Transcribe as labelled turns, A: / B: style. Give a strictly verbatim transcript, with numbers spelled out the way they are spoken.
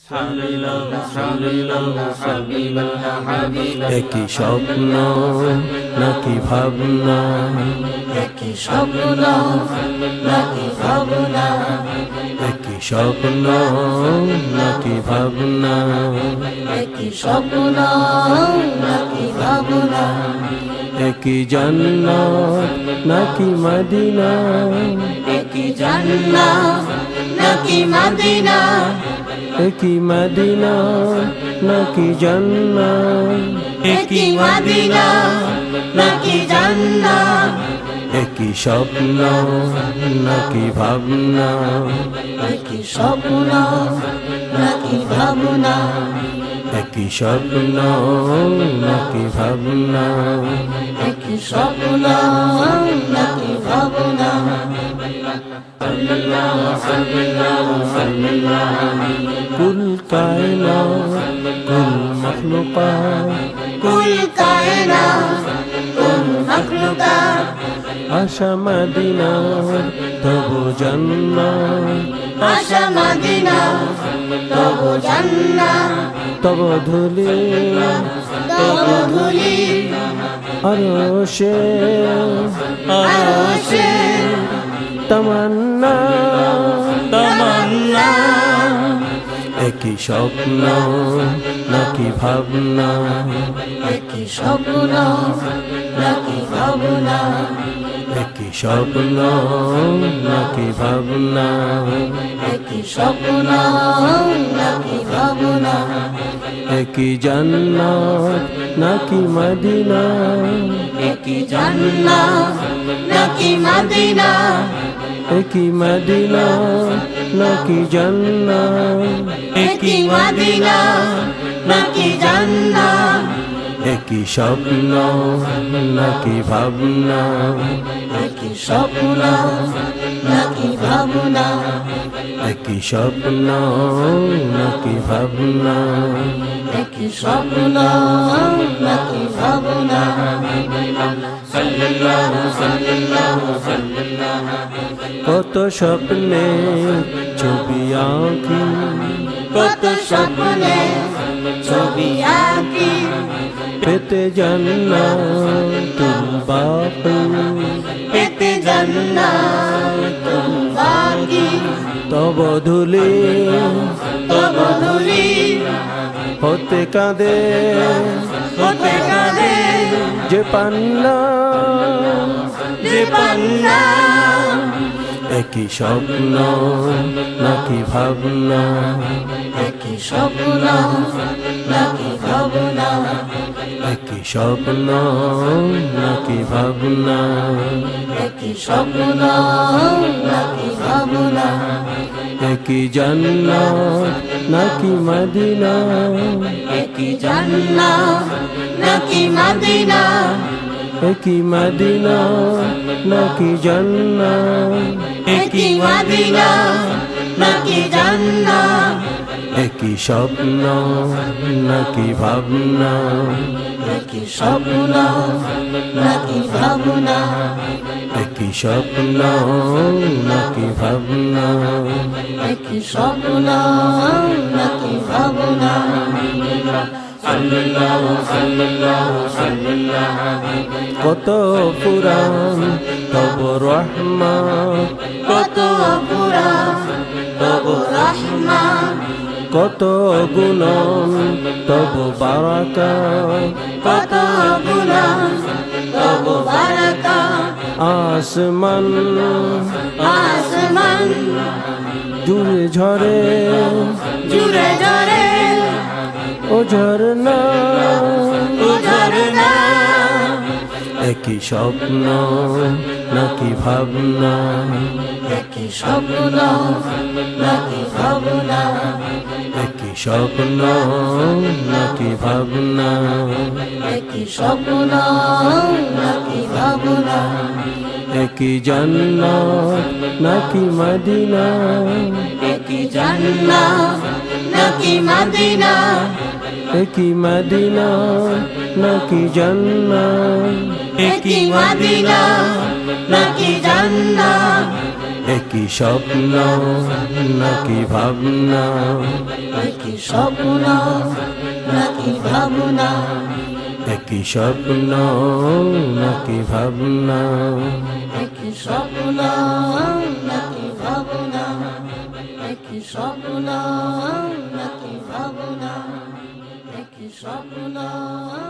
A: একই স্বপ্ন নাকি ভাবনা,
B: একই স্বপ্ন নাকি ভাবনা,
A: একই স্বপ্ন নাকি ভাবনা,
B: একই স্বপ্ন নাকি ভাবনা,
A: একই জান্নাত নাকি মদিনা,
B: একই জান্নাত নাকি মদিনা,
A: একই মদিনা নাকি জান্নাত,
B: একই মদিনা নাকি জান্নাত,
A: একই স্বপ্ন নাকি ভাবনা,
B: একই স্বপ্ন নাকি ভাবনা,
A: একই স্বপ্ন নাকি ভাবনা,
B: একই স্বপ্ন নাকি ভাবনা।
A: কুল কায়নাত কুল মখলুকাত,
B: কুল কায়নাত কুল মখলুকাত,
A: আশা মদিনার তবু জান্নাত,
B: আশা মদিনা তবু জান্নাত,
A: তব ধুলি
B: তবু ধুলি
A: আরশে
B: আরশে
A: তামান্না,
B: তামান্না,
A: একই স্বপ্ন নাকি ভাবনা,
B: একই স্বপ্ন নাকি ভাবনা,
A: একই স্বপ্ন নাকি ভাবনা,
B: একই স্বপ্ন নাকি ভাবনা,
A: একই জান্নাত নাকি মদিনা,
B: একই জান্নাত নাকি মদিনা,
A: একই মদিনা নাকি জান্নাত,
B: একই মদিনা নাকি জান্নাত,
A: একই স্বপ্ন নাকি ভাবনা,
B: একই স্বপ্ন নাকি ভাবনা,
A: একই স্বপ্ন নাকি ভাবনা,
B: একই স্বপ্ন নাকি ভাবনা।
A: কত স্বপ্নে ছবি আঁকি,
B: কত স্বপ্নে ছবি আঁকি,
A: পেতে জান্নাতুল বাকি,
B: পেতে জান্নাতুল বাকি,
A: তব ধুলি
B: তব ধুলি
A: হতে কাঁদে
B: হতে কাঁদে
A: যে পান্না,
B: যে পান্না,
A: একই স্বপ্ন নাকি ভাবনা,
B: একই স্বপ্ন নাকি ভাবনা,
A: একই স্বপ্ন নাকি ভাবনা,
B: একই স্বপ্ন নাকি ভাবনা,
A: একই জান্নাত নাকি মদিনা,
B: একই জান্নাত নাকি মদিনা,
A: একই মদিনা নাকি জান্নাত,
B: একই মদিনা নাকি জান্নাত,
A: একই স্বপ্ন নাকি ভাবনা,
B: একই স্বপ্ন নাকি ভাবনা,
A: একই স্বপ্ন নাকি ভাবনা,
B: একই স্বপ্ন নাকি ভাবনা।
A: কত পুরাণ তব রহমত,
B: কত পুরাণ তব রহমান,
A: কত গুণন তব বারাকাত,
B: কত গুণান তব বারাকাত,
A: আসমান
B: আসমান
A: জুড়ে ঝরে
B: জুড়ে ঝরে
A: ও ঝরনা,
B: ও ঝরনা,
A: একই স্বপ্ন নাকি ভাবনা,
B: একই স্বপ্ন নাকি ভাবনা,
A: একই স্বপ্ন নাকি ভাবনা,
B: একই স্বপ্ন নাকি ভাবনা,
A: একই জান্নাত নাকি মদিনা,
B: একই জান্নাত নাকি মদিনা,
A: একই মদিনা নাকি জান্নাত,
B: একই মদিনা নাকি জান্নাত,
A: একই স্বপ্ন নাকি ভাবনা
B: একই স্বপ্ন নাকি ভাবনা
A: একই স্বপ্ন নাকি ভাবনা
B: একই স্বপ্ন নাকি ভাবনা একই স্বপ্ন নাকি ভাবনা একই স্বপ্ন